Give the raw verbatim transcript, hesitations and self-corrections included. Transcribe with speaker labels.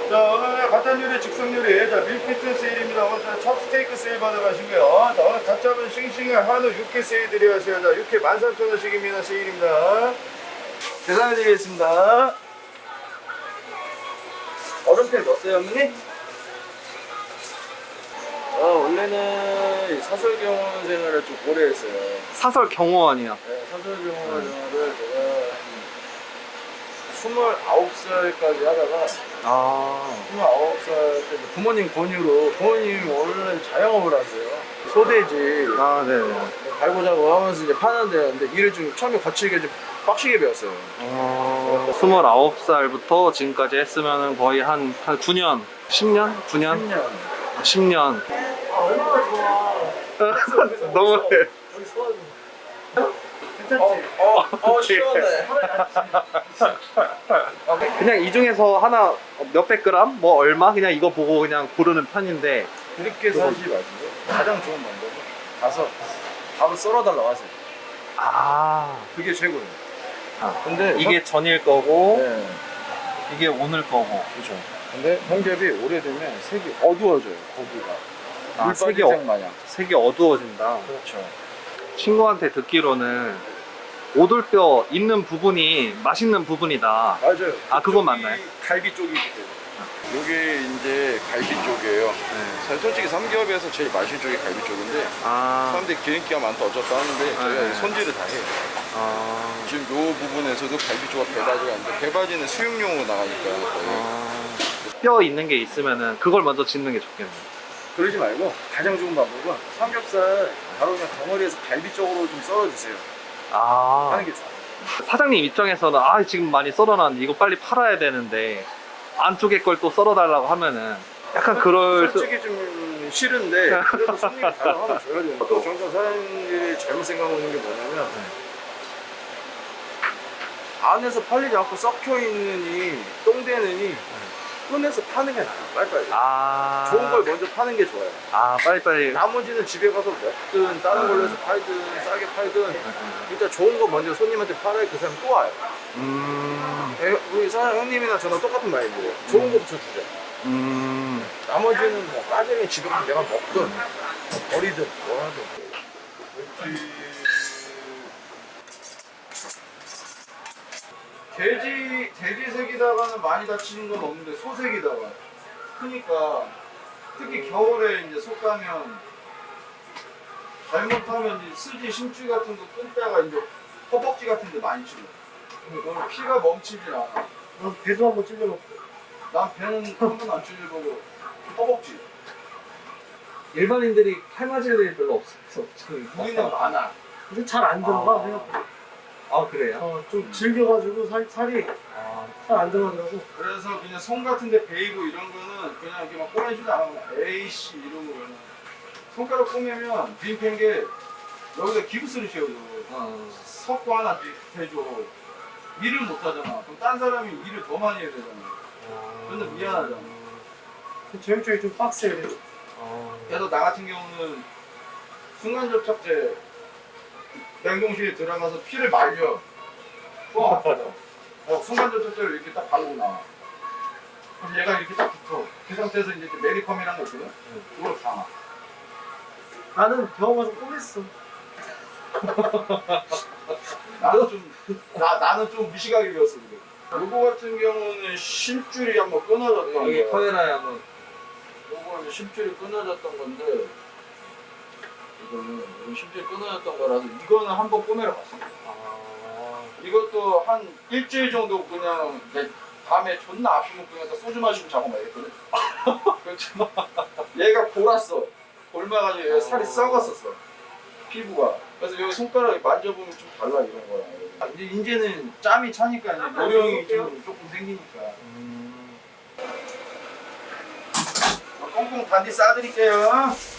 Speaker 1: 자, 오늘 간단 요리, 즉석 요리. 자, 밀키트 세일입니다. 오늘 첫 스테이크 세일 받아가시고요. 자, 오늘 갓 잡은 싱싱한 한우 육회 세일 드려가세요. 자, 육회 만 삼천 원씩입니다. 세일입니다. 계산해드리겠습니다. 얼음팩 넣었어요, 어머니? 아, 원래는 사설 경호원 생활을 좀 오래 했어요.
Speaker 2: 사설 경호원이요.
Speaker 1: 네, 사설 경호원 생활을 제가 스물아홉 살까지 하다가
Speaker 2: 아,
Speaker 1: 스물아홉 살 때 부모님 권유로 부모님이 원래 자영업을 하세요. 소돼지
Speaker 2: 아, 네네.
Speaker 1: 갈고자고 하면서 이제 파는데 근데 일을 좀 처음에 거칠게 좀 빡시게 배웠어요.
Speaker 2: 어, 스물아홉 살부터 지금까지 했으면 거의 한, 한 구 년? 십 년? 구 년?
Speaker 1: 십 년.
Speaker 2: 십 년.
Speaker 1: 아, 얼마나 좋아.
Speaker 2: 너무해.
Speaker 1: 여기 소화좀. 괜찮지? 어, 어, 어 시원해.
Speaker 2: 그냥 이 중에서 하나 몇백 그램? 뭐 얼마? 그냥 이거 보고 그냥 고르는 편인데.
Speaker 1: 그렇게 사지 마시고 가장 좋은 방법은 가서 바로 썰어달라고 하세요.
Speaker 2: 아,
Speaker 1: 그게 최고예요.
Speaker 2: 아.
Speaker 1: 근데
Speaker 2: 이게 전일 거고,
Speaker 1: 네.
Speaker 2: 이게 오늘 거고.
Speaker 1: 그렇죠. 근데 홍겹이 오래되면 색이 어두워져요. 고기가.
Speaker 2: 아,
Speaker 1: 물
Speaker 2: 색이
Speaker 1: 빠진
Speaker 2: 어-
Speaker 1: 색 마냥.
Speaker 2: 색이 어두워진다.
Speaker 1: 그렇죠.
Speaker 2: 친구한테 듣기로는 오돌뼈 있는 부분이 맛있는 부분이다.
Speaker 1: 맞아요.
Speaker 2: 아, 그건
Speaker 1: 그쪽이
Speaker 2: 맞나요?
Speaker 1: 갈비 쪽이기 때문에. 요게 이제 갈비 쪽이에요.
Speaker 2: 네.
Speaker 1: 사실 솔직히 삼겹에서 제일 맛있는 쪽이 갈비 쪽인데
Speaker 2: 아,
Speaker 1: 사람들이 기름기가 많다 어쩌다 하는데 저희가
Speaker 2: 네.
Speaker 1: 손질을 다 해요.
Speaker 2: 아,
Speaker 1: 지금 요 부분에서도 갈비 쪽과 배바지가 있는데 배바지는 수육용으로 나가니까 거의.
Speaker 2: 아. 뼈 있는 게 있으면은 그걸 먼저 짓는 게 좋겠네.
Speaker 1: 그러지 말고 가장 좋은 방법은 삼겹살 바로 그냥 덩어리에서 갈비 쪽으로 좀 썰어주세요.
Speaker 2: 아,
Speaker 1: 하는 게 좋아요.
Speaker 2: 사장님 입장에서는 아 지금 많이 썰어놨는데 이거 빨리 팔아야 되는데 안쪽에 걸 또 썰어달라고 하면은 약간 그럴 수...
Speaker 1: 솔직히 좀 싫은데 그래도 손님이 다가가면 줘야 돼요. 또 정작 사장님들이 잘못 생각하는 게 뭐냐면 안에서 팔리지 않고 썩혀 있느니 똥되느니 꺼내서 파는 게 나아요. 빨리빨리.
Speaker 2: 아,
Speaker 1: 좋은 걸 먼저 파는 게 좋아요.
Speaker 2: 아 빨리빨리.
Speaker 1: 나머지는 집에 가서 먹든 다른 걸로 해서 팔든 싸게 팔든 일단 좋은 거 먼저 손님한테 팔아야 그 사람 또 와요.
Speaker 2: 음,
Speaker 1: 에, 우리 사장 형님이나 저랑 똑같은 마인드예요. 좋은 거부터 주자.
Speaker 2: 음,
Speaker 1: 나머지는 뭐 빠지면 집에 가서 내가 먹든 버리든 뭐 하든. 돼지 돼지색이다가는 많이 다치는 건 없는데 소색이다가 크니까 특히 겨울에 이제 속 가면 잘못하면 이제 스지 심줄 같은 거 끊다가 이제 허벅지 같은 데 많이 찔러. 그럼 피가 멈추질 않아.
Speaker 3: 그럼 배도 한번 찔러놓고.
Speaker 1: 난 배는 한 번도 안 찔려보고 허벅지.
Speaker 2: 일반인들이 팔 맞을 일 별로 없어.
Speaker 1: 우리는 많아.
Speaker 3: 근데 잘 안 들어가.
Speaker 2: 아.
Speaker 3: 생각보다.
Speaker 2: 아 그래요?
Speaker 3: 어, 좀 질겨가지고 살, 살이
Speaker 2: 아,
Speaker 3: 잘 안 들어가더라고.
Speaker 1: 그래서 그냥 손 같은 데 베이고 이런 거는 그냥 이렇게 막 꺼내지도 않아. 에이씨 이러고 그냥 손가락 꼬매면 빈팬 게 여기다 기부스를 씌워줘.
Speaker 2: 어.
Speaker 1: 석고 하나 해줘. 일을 못 하잖아. 그럼 딴 사람이 일을 더 많이 해야 되잖아. 근데 미안하잖아.
Speaker 3: 저희 쪽이 좀 빡세요.
Speaker 2: 어.
Speaker 1: 그래서 나 같은 경우는 순간 접착제 냉동실에 들어가서 피를 말려. 또 아파져. 어, 순간 접착제를 이렇게 딱 바르고 나와. 그럼 얘가 이렇게 딱 붙어. 그 상태에서 이제 메리컴이라는 거 있거든? 그걸 감아.
Speaker 3: 나는 병원 가서 꼬맸어.
Speaker 1: 나는 좀, 나, 나는 좀 미식하게 배웠어, 그래. 요거 같은 경우는 심줄이 한번 끊어졌던
Speaker 2: 여기
Speaker 1: 거.
Speaker 2: 카메라에 한번.
Speaker 1: 요거는 심줄이 끊어졌던 건데, 이거는 심줄이 끊어졌던 거라서, 이거는 한번 꼬매러 갔어.
Speaker 2: 아.
Speaker 1: 이것도 한 일주일 정도 그냥 내 밤에 존나 아프면 그냥 다 소주 마시고 자고 말겠거든. 그렇지만 얘가 골았어. 골마가지고 얘가 살이 썩었었어. 피부가. 그래서 여기 손가락에 만져보면 좀 달라 이런 거야. 이제 이제는 짬이 차니까 이제 요령이 좀 조금 생기니까.
Speaker 2: 음.
Speaker 1: 꽁꽁 단디 싸드릴게요.